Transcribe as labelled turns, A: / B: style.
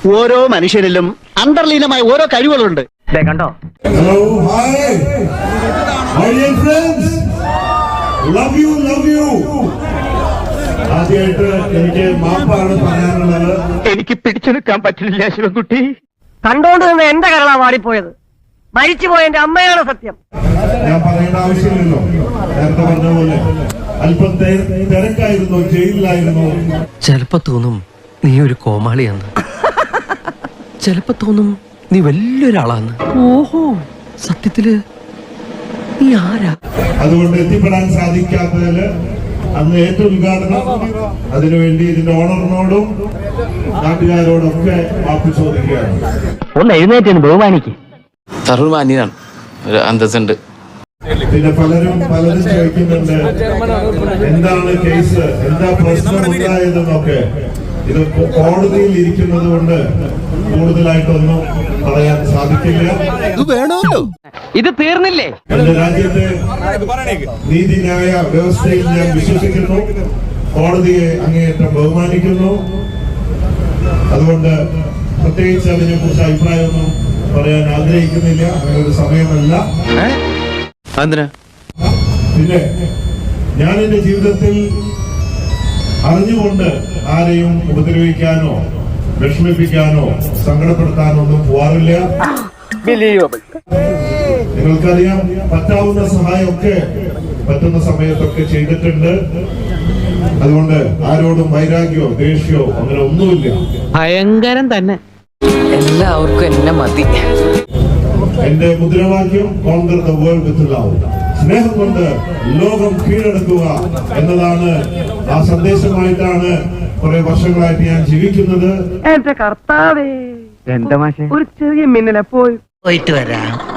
A: ഓരോ മനുഷ്യരിലും അന്തർലീനമായ ഓരോ കഴിവുകളുണ്ട്. കണ്ടോ?
B: Hello, hi, my dear friends, love you. ആദ്യമായിട്ട് എനിക്ക് മാപ്പാണ് പറയാനുള്ളത്.
A: എനിക്ക് പിടിച്ചെടുക്കാൻ പറ്റില്ല ശിവൻകുട്ടി.
C: കണ്ടോണ്ട് നിന്ന് എന്റെ കരളാ വാടിപ്പോയത്. മരിച്ചുപോയ എന്റെ അമ്മയാണ് സത്യം.
B: ഞാൻ പറയേണ്ട ആവശ്യമില്ലല്ലോ. നേരത്തെ പറഞ്ഞ പോലെ അല്പം തിരക്കായിരുന്നു, ജയിലിലായിരുന്നു.
D: ചിലപ്പോ തോന്നും നീ ഒരു കോമാളിയാന്ന്, ചിലപ്പോ തോന്നും നീ വലിയൊരാളാന്ന്. ഓഹോ, സത്യത്തില് നീ ആരാ?
B: അതുകൊണ്ട് എത്തിപ്പെടാൻ സാധിക്കാത്തതില് അന്ന് ഏറ്റവും ഉദ്ഘാടനം അതിനുവേണ്ടി ഇതിന്റെ ഓണറിനോടും നാട്ടുകാരോടൊക്കെ മാപ്പ് ചോദിക്കുകയാണ്.
A: ഒന്ന് എഴുന്നേറ്റ് ബഹുമാനിക്ക്.
E: സർവ്വമാന്യനാണ്, ഒരു അന്തസ്സുണ്ട്.
B: പിന്നെ പലരും ചോദിക്കുന്നുണ്ട് എന്താണ് കേസ്, എന്താ പ്രശ്നം ഉണ്ടായതെന്നൊക്കെ. ഇത് കോടതിയിൽ ഇരിക്കുന്നത് കൊണ്ട് കൂടുതലായിട്ടൊന്നും പറയാൻ സാധിക്കില്ല.
C: ഇത് തീർന്നില്ലേ?
B: എന്റെ രാജ്യത്തെ നീതിന്യായ വ്യവസ്ഥയിൽ ഞാൻ വിശ്വസിക്കുന്നു, കോടതിയെ അങ്ങേയറ്റം ബഹുമാനിക്കുന്നു. അതുകൊണ്ട് പ്രത്യേകിച്ച് അതിനെ കുറിച്ച് അഭിപ്രായമൊന്നും പറയാൻ ആഗ്രഹിക്കുന്നില്ല. അങ്ങനെ ഒരു സമയമല്ല. പിന്നെ ഞാൻ എന്റെ ജീവിതത്തിൽ അറിഞ്ഞുകൊണ്ട് ആരെയും ഉപദ്രവിക്കാനോ വിഷമിപ്പിക്കാനോ സങ്കടപ്പെടുത്താനോ ഒന്നും പോവാറില്ല. നിങ്ങൾക്കറിയാം, പറ്റാവുന്ന സഹായമൊക്കെ പറ്റുന്ന സമയത്തൊക്കെ ചെയ്തിട്ടുണ്ട്. അതുകൊണ്ട് ആരോടും വൈരാഗ്യമോ ദേഷ്യമോ അങ്ങനെ ഒന്നുമില്ല.
C: ഭയങ്കരം തന്നെ.
F: എല്ലാവർക്കും എന്നെ മതി.
B: എന്റെ മുദ്രാവാക്യം conquer the world with love, സ്നേഹം കൊണ്ട് ലോകം കീഴടക്കുക എന്നതാണ്. ആ സന്ദേശമായിട്ടാണ് കുറെ വർഷങ്ങളായിട്ട് ഞാൻ ജീവിക്കുന്നത്.
C: എന്റെ കർത്താവേ, എന്താ ഒരു ചെറിയ മിന്നലെ പോയിട്ട് വരാം.